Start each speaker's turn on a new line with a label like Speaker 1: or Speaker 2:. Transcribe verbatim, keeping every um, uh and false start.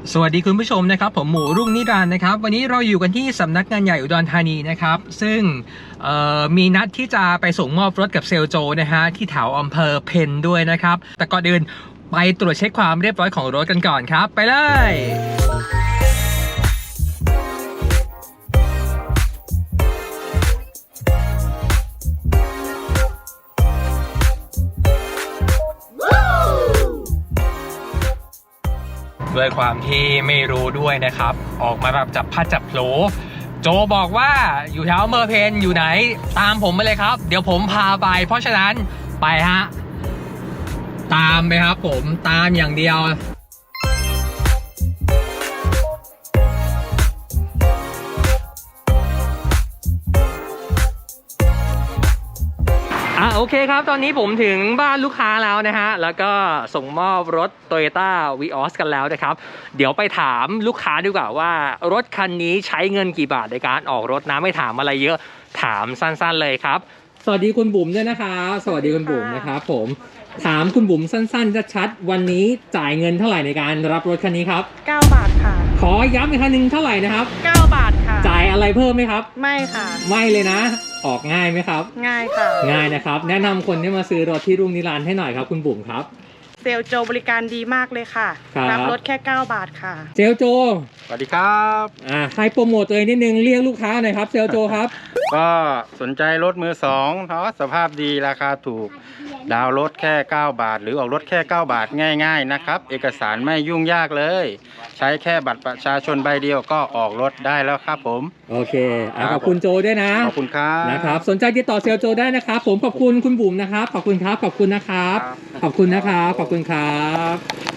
Speaker 1: สวัสดีคุณผู้ชมนะครับผมหมูรุ่งนิรันดร์นะครับวันนี้เราอยู่กันที่สำนักงานใหญ่อุดรธานีนะครับซึ่งมีนัดที่จะไปส่งมอบรถกับเซลโจนะฮะที่แถวอำเภอเพนด้วยนะครับแต่ก่อนอื่นไปตรวจเช็คความเรียบร้อยของรถกันก่อนครับไปเลยด้วยความที่ไม่รู้ด้วยนะครับออกมาแบบจับพัดจับโผโจบอกว่าอยู่แถวอำเภอเพนอยู่ไหนตามผมมาเลยครับเดี๋ยวผมพาไปเพราะฉะนั้นไปฮะตามไปครับผมตามอย่างเดียวอ่ะโอเคครับตอนนี้ผมถึงบ้านลูกค้าแล้วนะฮะแล้วก็ส่งมอบรถ Toyota Vios กันแล้วนะครับเดี๋ยวไปถามลูกค้าดีกว่าว่ารถคันนี้ใช้เงินกี่บาทในการออกรถนะไม่ถามอะไรเยอะถามสั้นๆเลยครับสวัสดีคุณบุ๋มด้วยนะครับสวัสดีคุณบุ๋มนะครับผมถามคุณบุ๋มสั้นๆชัดๆวันนี้จ่ายเงินเท่าไหร่ในการรับรถคันนี้ครับ
Speaker 2: เก้าบาทค่ะ
Speaker 1: ขอย้ำอีกครั้งหนึ่งเท่าไหร่นะครับ
Speaker 2: เก้าบาทค่ะ
Speaker 1: จ่ายอะไรเพิ่มไหมครับ
Speaker 2: ไม่ค่ะ
Speaker 1: ไม่เลยนะออกง่ายไหมครับ
Speaker 2: ง่ายค่ะ
Speaker 1: ง่ายนะครับแนะนำคนที่มาซื้อรถที่รุ่งนิรันดร์ให้หน่อยครับคุณบุ๋มครับ
Speaker 2: เซลโจบริการดีมากเลยค่ะรับรถแค่เก้าบาทค่ะ
Speaker 1: เซลโจ
Speaker 3: สวัสดีครับ
Speaker 1: อ่าให้โปรโมทตัวเองนิดนึงเรียกลูกค้าหน่อยครับเซลโจครับ
Speaker 3: ก็สนใจรถมือสองเพราะสภาพดีราคาถูกดาวรถแค่เก้าบาทหรือออกรถแค่เก้าบาทง่ายๆนะครับเอกสารไม่ยุ่งยากเลยใช้แค่บัตรประชาชนใบเดียวก็ออกรถได้แล้วครับผม
Speaker 1: โอเคขอบคุณโจด้วยนะ
Speaker 3: ขอบคุณครับ
Speaker 1: นะครับสนใจติดต่อเซลโจได้นะครับผมขอบคุณคุณบุ๋มนะครับขอบคุณครับขอบคุณนะครับขอบคุณนะครับขอบคุณครับ